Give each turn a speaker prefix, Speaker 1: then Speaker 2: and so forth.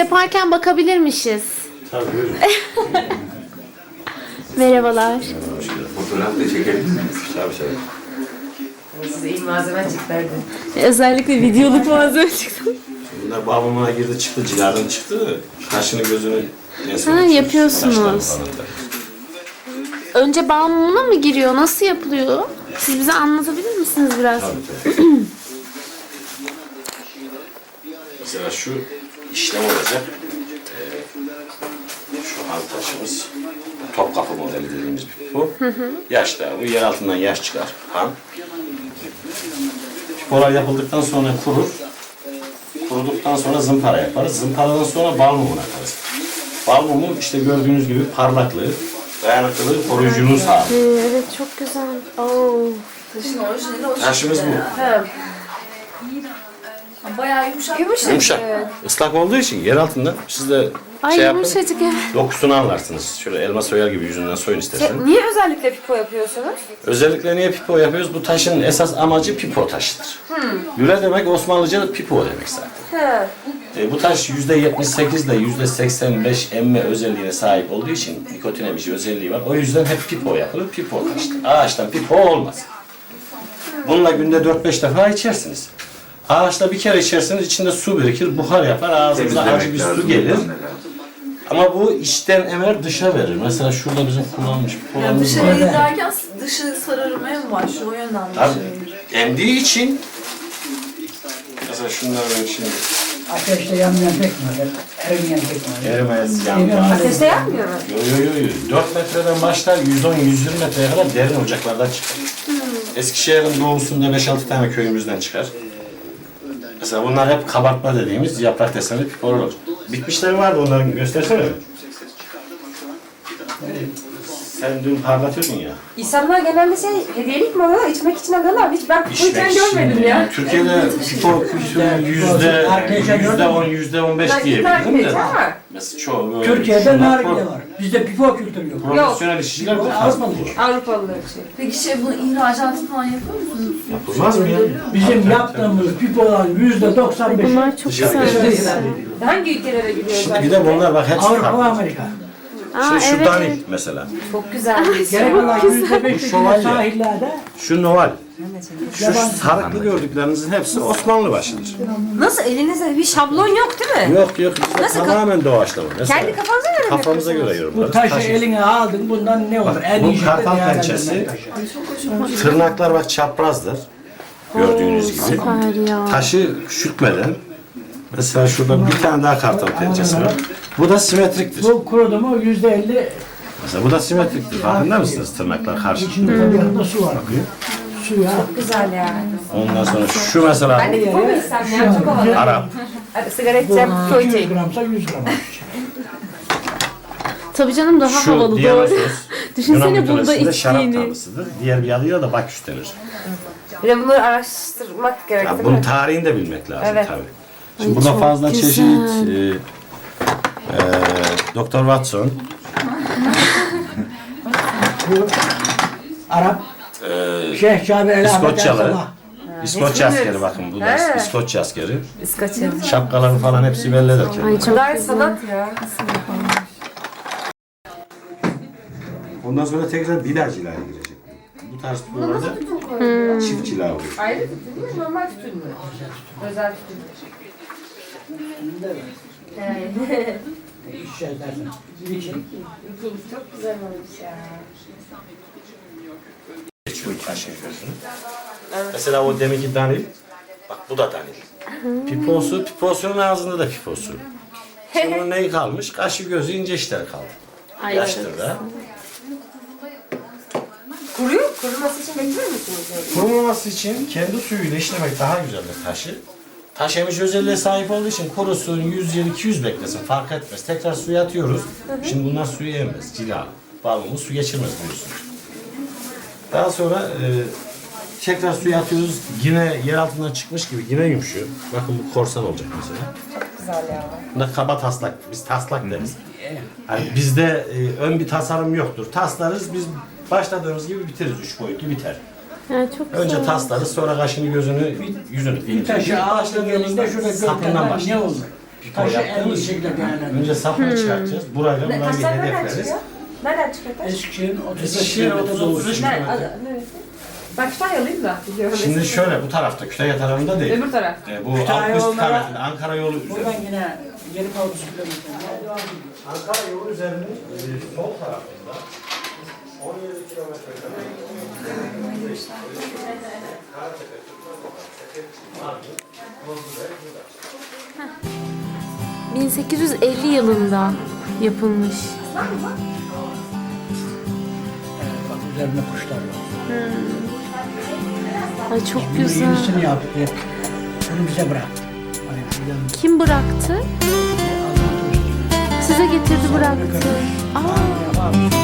Speaker 1: yaparken bakabilirmişiz.
Speaker 2: Tabii buyurun.
Speaker 1: Merhabalar.
Speaker 3: Fotoğraf da çekebilir miyiz?
Speaker 2: Tabii tabii.
Speaker 4: Size iyi malzeme çıkardı.
Speaker 1: Özellikle videoluk malzeme çıktı.
Speaker 2: Bunlar babama girdi çıktı, ciladan çıktı. Kaşını gözünü
Speaker 1: Ha, yapıyorsunuz. Önce bal mumuna mı giriyor? Nasıl yapılıyor? Siz bize anlatabilir misiniz biraz?
Speaker 2: Tabii tabii. Mesela şu işlem olacak. Şu hal taşımız. Topkapı modeli dediğimiz bir pipo. Yaşta, bu yer altından yaş çıkar. Han. Pipolar yapıldıktan sonra kurur. Kuruduktan sonra zımpara yaparız. Zımparadan sonra bal mumuna atarız. Bal mumu işte gördüğünüz gibi parlaklığı, dayanıklılığı, koruyuculuğu sağlıyor.
Speaker 1: Evet, çok güzel. Oo.
Speaker 4: Taşın orijinali o
Speaker 2: Taşımız bu.
Speaker 4: bayağı yumuşak.
Speaker 2: Yumuşak. Islak olduğu için yer altında siz de
Speaker 1: Ay
Speaker 2: şey yapın.
Speaker 1: yumuşacık evet.
Speaker 2: Dokusunu anlarsınız. Şöyle elma soyar gibi yüzünden soyun istersen.
Speaker 4: Niye özellikle pipo yapıyorsunuz?
Speaker 2: Özellikle niye pipo yapıyoruz? Bu taşın esas amacı pipo taşıdır. Lüle demek Osmanlıca pipo demek zaten. Bu taş %78 ile %85 emme özelliğine sahip olduğu için nikotin emici özelliği var. O yüzden hep pipo yapılır, pipo taştır. Ağaçtan pipo olmaz. Bununla günde 4-5 defa içersiniz. Ağaçta bir kere içerseniz içinde su birikir, buhar yapar, ağzınıza acı bir su gelir. Ama bu içten emer dışa verir. Mesela şurada bizim kullanmış pipolarımız var.
Speaker 5: Dışarıya giderken dışı sararmaya mı başlıyor? O yönden mi?
Speaker 2: Tabii emdiği için mesela şunlar ben şimdi
Speaker 6: Ateşte yanmayan pekmez, erimeyen pekmez.
Speaker 2: erimez, yanmaz.
Speaker 4: Ateşte yapmıyor mu?
Speaker 2: Yo. 4 metreden başlar 110-120 metreye kadar derin ocaklardan çıkar. Eskişehir'in doğusunda 5-6 tane köyümüzden çıkar. Mesela bunlar hep kabartma dediğimiz yaprak desenli pipolar. Bitmişleri vardı, onların göstersene. Sen dün parlatıyordun ya.
Speaker 4: İnsanlar genelde hediyelik mi alıyorlar, içmek için alıyorlar. Hiç ben pipoyken görmedim ya.
Speaker 2: Türkiye'de pipo kültürü %10-15 diyebilirim de. Mesela çoğu böyle
Speaker 6: Türkiye'de
Speaker 2: şunlar
Speaker 6: nargile var. Bizde pipo kültürü yok.
Speaker 2: profesyonel işçiler de
Speaker 6: Avrupalı.
Speaker 4: Avrupalılar için.
Speaker 5: Peki bunu ihracatı falan yapıyor musunuz?
Speaker 2: yapılmaz mı ya?
Speaker 6: Bizim yaptığımız pipoların %95'i
Speaker 1: Bunlar çok güzel.
Speaker 4: Hangi ülkelere gidiyorlar?
Speaker 2: Şimdi bir de bunlar bak hepsi
Speaker 6: Avrupa ve
Speaker 2: farklı.
Speaker 6: Amerika.
Speaker 1: Aa,
Speaker 2: Şimdi şu
Speaker 1: evet.
Speaker 2: danil mesela.
Speaker 4: Çok güzel bir isim.
Speaker 6: Geri kalan %5'i
Speaker 2: şövalye.
Speaker 6: sahillerde
Speaker 2: Şu noval. Şu sarıklı gördüklerinizin hepsi Osmanlı başıdır.
Speaker 4: Nasıl elinizde bir şablon yok değil mi?
Speaker 2: Yok bizde
Speaker 4: Nasıl
Speaker 2: tamamen doğaçlama. Mesela
Speaker 4: Kendi kafanıza göre mi
Speaker 2: kafamıza göre
Speaker 4: yapıyorsunuz?
Speaker 6: bu
Speaker 2: yorumlarız.
Speaker 6: taşı eline aldın bundan ne olur? En
Speaker 2: bu
Speaker 6: iyi
Speaker 2: kartal
Speaker 6: şekilde
Speaker 2: pençesi.
Speaker 6: değerlendirmek taşı.
Speaker 2: Tırnaklar bak çaprazdır. Gördüğünüz gibi.
Speaker 1: Süper ya.
Speaker 2: Taşı küçültmeden mesela şurada bir tane daha kartal pençesi var. Bu da simetriktir.
Speaker 6: Bu kurudu mu %50
Speaker 2: Mesela bu da simetriktir. Farkında mısınız tırnaklar karşı?
Speaker 6: içinde tabii yanında su var. Suya
Speaker 4: Güzel yani.
Speaker 2: Ondan sonra şu mesela
Speaker 4: Ben de pipo mu istem ya? Çok havalı.
Speaker 2: Arap.
Speaker 4: Hadi sigara içeceğim, pipo
Speaker 6: 200
Speaker 4: içeyim.
Speaker 6: gramsa 100 gram.
Speaker 1: Tabii canım daha
Speaker 2: Şu
Speaker 1: havalı doğru.
Speaker 2: Dionysos,
Speaker 1: Düşünsene
Speaker 2: Yunan
Speaker 1: burada
Speaker 2: mitolojisinde şarap
Speaker 1: içtiğini.
Speaker 2: tanrısıdır. Diğer bir adıyla da Baküs denir.
Speaker 4: Bir de bunları araştırmak gerek
Speaker 2: Yani
Speaker 4: değil
Speaker 2: bunun
Speaker 4: mi?
Speaker 2: tarihini de bilmek lazım
Speaker 4: Evet.
Speaker 2: tabii. Şimdi
Speaker 1: Ay,
Speaker 2: burada
Speaker 1: çok
Speaker 2: fazla
Speaker 1: güzel.
Speaker 2: çeşit Doktor Watson,
Speaker 6: Bu Arap
Speaker 2: e,
Speaker 6: Şeyh Cabir El Ahmet El
Speaker 2: İskoçyalı,
Speaker 6: Sabah.
Speaker 2: İskoçya askeri bakın bu da
Speaker 4: He.
Speaker 2: İskoçya askeri.
Speaker 4: İskoçya.
Speaker 2: Şapkaları falan hepsi bellidir
Speaker 1: Ay
Speaker 2: kendine.
Speaker 1: çok
Speaker 4: Bunlar
Speaker 1: güzel.
Speaker 4: sanat ya.
Speaker 2: Ondan sonra tekrar bir daha cilaya girecek. Bu tarz buralarda çift cila oluyor.
Speaker 4: Ayrı tütün mü, normal tütün mü? Özel tütün mü?
Speaker 6: İçeceğiz dersen. İçin.
Speaker 4: Çok güzel olmuş ya.
Speaker 2: Geçiyor taşın gözünü. Mesela o deminki danil, bak bu da danil. Piposunun ağzında da piposu. Şimdi bunun neyi kalmış? Kaşı gözü ince işler kaldı.
Speaker 1: Ay,
Speaker 2: Yaştır da.
Speaker 4: Kuruyor, kuruması için bekliyor musunuz?
Speaker 2: Kurumaması için kendi suyuyla işlemek daha güzeldir taşı. Taş emici özelliğe sahip olduğu için kurusun 100 yıl 200 beklesin fark etmez. Tekrar suya atıyoruz. Şimdi bunlar suyu emmez. Cila. Balmumuz su geçirmez biliyorsunuz. Daha sonra tekrar suya atıyoruz. Yine yer altından çıkmış gibi yine yumuşuyor. Bakın bu korsan olacak mesela.
Speaker 4: Güzel ya.
Speaker 2: Bunda kaba taslak. Biz taslak deriz. Yani bizde ön bir tasarım yoktur. Taslarız biz başladığımız gibi bitiririz. 3 boyutlu biter.
Speaker 1: Ya çok güzel.
Speaker 2: Önce taslarız sonra kaşını gözünü yüzünü.
Speaker 6: Bir taşı ağaçta gelinde şurada
Speaker 2: sapından
Speaker 6: gökten ne
Speaker 2: başlarız.
Speaker 6: olur?
Speaker 2: Pipo
Speaker 6: Taşı en iyi
Speaker 2: yaptığımız için
Speaker 6: şekilde değerlendir.
Speaker 2: önce sapını çıkartacağız. Burayla burayı
Speaker 4: Taşlar nereden
Speaker 2: hedefleriz.
Speaker 4: çıkıyor? Nereden çıkıyor taş?
Speaker 6: Eskişehir'in 35
Speaker 2: Eskişehir
Speaker 6: kilometre
Speaker 2: 30-35
Speaker 6: doğusu.
Speaker 2: kilometre.
Speaker 4: Neresi? Ben Kütahyalıyım da biliyorum.
Speaker 2: Şimdi şöyle bu tarafta Kütahya tarafında değil.
Speaker 4: Öbür taraf.
Speaker 2: Bu
Speaker 6: Kütahya
Speaker 2: alt üst
Speaker 6: yollara-
Speaker 2: tarafında Ankara yolu üzerinde.
Speaker 6: Buradan yine gelip 30 kilometre.
Speaker 2: Ankara yolu üzerinde sol tarafında 17 kilometre kadar
Speaker 1: 1850 yılında yapılmış.
Speaker 6: Bak üzerinde kuşlar var.
Speaker 1: Ay çok
Speaker 6: Bunu
Speaker 1: güzel.
Speaker 6: yenisini yaptı. Bunu bize bıraktı. Hani buradan
Speaker 1: Kim bıraktı?
Speaker 6: Allah'ın dostu.
Speaker 1: Size getirdi bıraktı. Aa,
Speaker 6: Yapar.